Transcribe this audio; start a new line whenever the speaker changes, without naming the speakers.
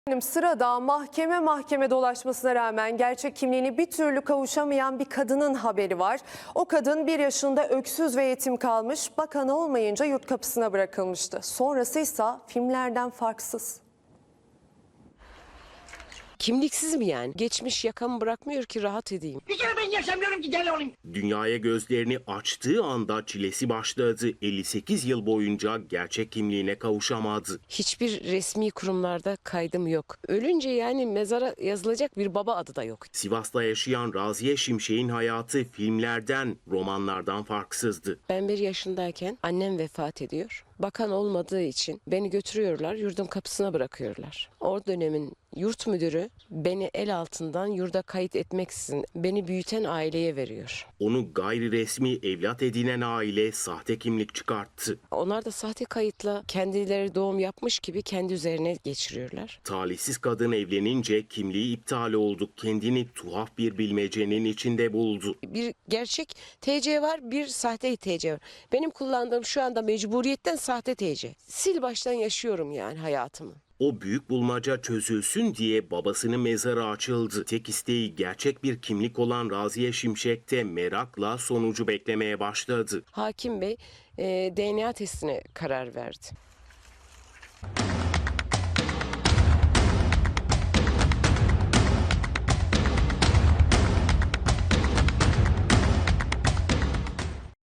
Sırada mahkeme dolaşmasına rağmen gerçek kimliğini bir türlü kavuşamayan bir kadının haberi var. O kadın 1 yaşında öksüz ve yetim kalmış, bakan olmayınca yurt kapısına bırakılmıştı. Sonrası ise filmlerden farksız.
Kimliksiz mi yani? Geçmiş yakamı bırakmıyor ki rahat edeyim.
Bir kere ben yaşamıyorum ki deli olayım.
Dünyaya gözlerini açtığı anda çilesi başladı. 58 yıl boyunca gerçek kimliğine kavuşamadı.
Hiçbir resmi kurumlarda kaydım yok. Ölünce yani mezara yazılacak bir baba adı da yok.
Sivas'ta yaşayan Raziye Şimşek'in hayatı filmlerden, romanlardan farksızdı.
Ben 1 yaşındayken annem vefat ediyor. Bakan olmadığı için beni götürüyorlar, yurdun kapısına bırakıyorlar. O dönemin yurt müdürü beni el altından yurda kayıt etmeksizin beni büyüten aileye veriyor.
Onu gayri resmi evlat edinen aile sahte kimlik çıkarttı.
Onlar da sahte kayıtla kendileri doğum yapmış gibi kendi üzerine geçiriyorlar.
Talihsiz kadın evlenince kimliği iptal oldu. Kendini tuhaf bir bilmecenin içinde buldu.
Bir gerçek TC var, bir sahte TC var. Benim kullandığım şu anda mecburiyetten sahte TC. Sil baştan yaşıyorum yani hayatımı.
O büyük bulmaca çözülsün diye babasının mezarı açıldı. Tek isteği gerçek bir kimlik olan Raziye Şimşek de merakla sonucu beklemeye başladı.
Hakim Bey DNA testine karar verdi.